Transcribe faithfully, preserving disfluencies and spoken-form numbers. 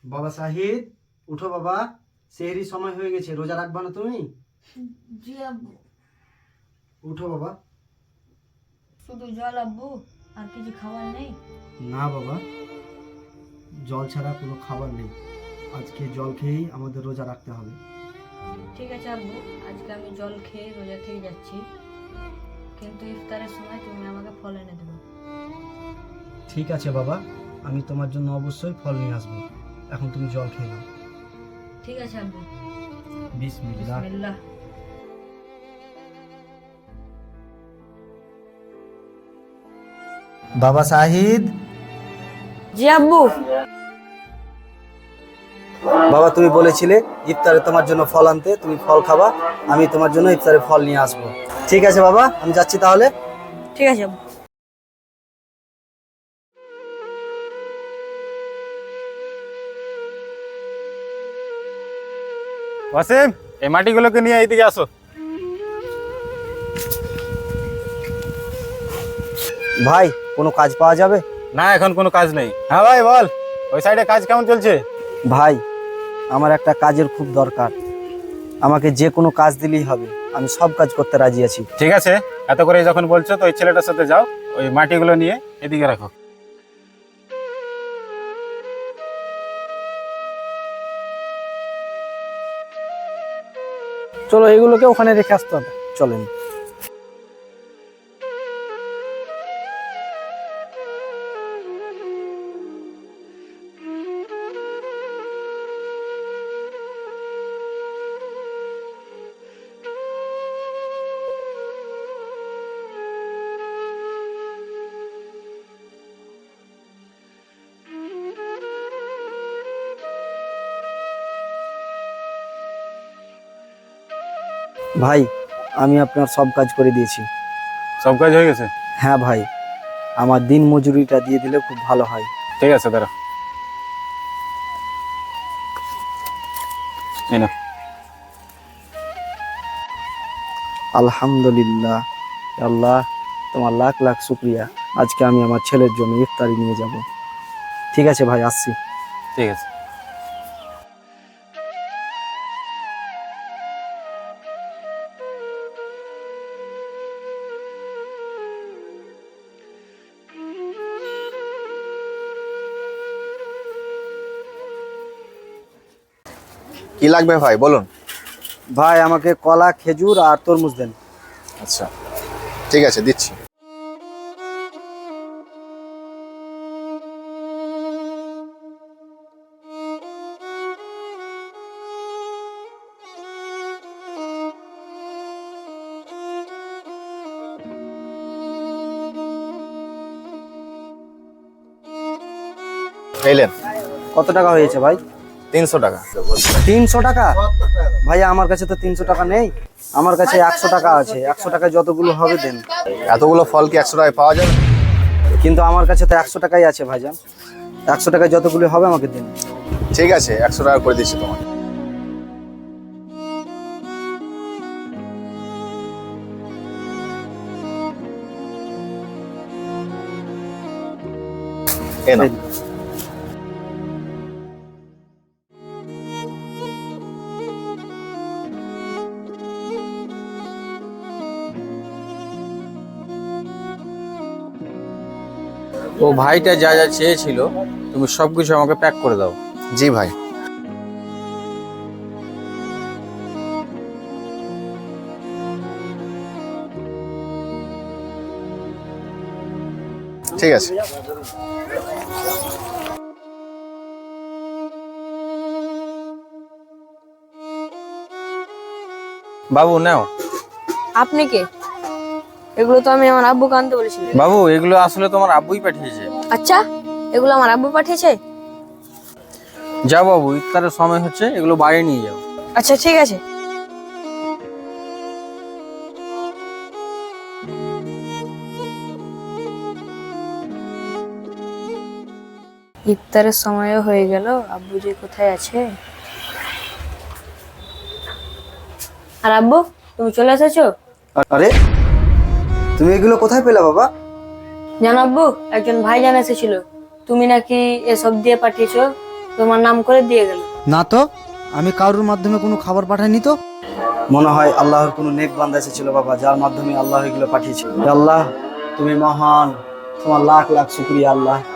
বাবা সাহিদ, উঠো বাবা, সেহরির সময় হয়ে গেছে, রোজা রাখবা না তুমি? জি আব্বু। উঠো বাবা। শুধু জল আব্বু, আর কিছু খাবার নেই? না বাবা, জল ছাড়া কোনো খাবার নেই, আজকে জল খেয়েই আমাদের রোজা রাখতে হবে। ঠিক আছে আব্বু, আজকে আমি জল খেয়ে রোজা থেকে যাচ্ছি, কিন্তু ইফতারের সময় তুমি আমাকে ফল এনে দেবে। ঠিক আছে বাবা, আমি তোমার জন্য অবশ্যই ফল নিয়ে আসবো। এখন তুমি জল খেয়ে নাও। ঠিক আছে আব্বু। বিসমিল্লাহ। বিসমিল্লাহ। বাবা সাহিদ। জি আব্বু। বাবা, তুমি বলেছিলে ইফতারে তোমার জন্য ফল আনতে, তুমি ফল খাবা, আমি তোমার জন্য ইফতারে ফল নিয়ে আসবো। ঠিক আছে বাবা, আমি যাচ্ছি তাহলে। ঠিক আছে আব্বু। ওয়াসিম, এই মাটিগুলোকে নিয়ে এইদিকে আসো। ভাই, কোনো কাজ পাওয়া যাবে? না, এখন কোনো কাজ নেই। হ্যাঁ ভাই বল, ওই সাইডে কাজ কেমন চলছে? ভাই, আমার একটা কাজের খুব দরকার, আমাকে যে কোনো কাজ দিলেই হবে, আমি সব কাজ করতে রাজি আছি। ঠিক আছে, এত করে যখন বলছো তো ওই ছেলেটার সাথে যাও, ওই মাটিগুলো নিয়ে এদিকে রাখো। চলো, এগুলোকে ওখানে রেখে আসতে হবে, চলেন। ভাই, আমি আপনার সব কাজ করে দিয়েছি। সব কাজ হয়ে গেছে? হ্যাঁ ভাই, আমার দিন মজুরিটা দিয়ে দিলে খুব ভালো হয়। ঠিক আছে, দাঁড়া। এই নাও। আলহামদুলিল্লাহ, আল্লাহ তোমার লাখ লাখ শুক্রিয়া, আজকে আমি আমার ছেলের জন্য ইফতারি নিয়ে যাব। ঠিক আছে ভাই, আসছি। ঠিক আছে। কি লাগবে ভাই বলুন? ভাই, আমাকে কলা, খেজুর আর তরমুজ দেন। আচ্ছা, ঠিক আছে, দিচ্ছি। এলেন। কত টাকা হয়েছে ভাই? তিনশো টাকা। তিনশো টাকা? ভাইয়া, আমার কাছে তো তিনশো টাকা নেই, আমার কাছে একশো টাকা আছে, একশো টাকায় যতগুলো হবে দেন। এতগুলো ফল কি একশো টাকায় পাওয়া যাবে? কিন্তু আমার কাছে তো একশো টাকাই আছে ভাইজান, একশো টাকায় যতগুলো হবে আমাকে দিন। ঠিক আছে, একশো টাকা করে দিচ্ছি তোমার। এ নাও। ও ভাইটা যা যা চেয়েছিল তুমি সবকিছু আমাকে প্যাক করে দাও। জি ভাই। ঠিক আছে। বাবু নাও। আপনি কে? এগুলো তো আমি আমার আব্বুকে আনতে বলেছিলাম। বাবু, এগুলো আসলে তোমার আব্বুই পাঠিয়েছে। আচ্ছা, এগুলো আমার আব্বু পাঠিয়েছে? যাও বাবু, ইফতারের সময় হচ্ছে, এগুলো বাইরে নিয়ে যাও। আচ্ছা ঠিক আছে। ইফতারের সময়ও হয়ে গেল, আব্বু যে কোথায় আছে? আর আব্বু, তুমি চলে এসেছো? আরে, তুমি এগুলো কোথায় পেলে বাবা? জানো আব্বু, একজন ভাইজান এসেছিল, তুমি নাকি এসব দিয়ে পাঠিয়েছো। তোমার নাম করে দিয়ে গেল। না তো, আমি কারোর মাধ্যমে কোনো খাবার পাঠাইনি তো। মনে হয় আল্লাহর কোনো নেক বান্দা এসেছিল বাবা, যার মাধ্যমে আল্লাহ এগুলো পাঠিয়েছিল। হে আল্লাহ, তুমি মহান, তোমার লাখ লাখ শুকরিয়া আল্লাহ।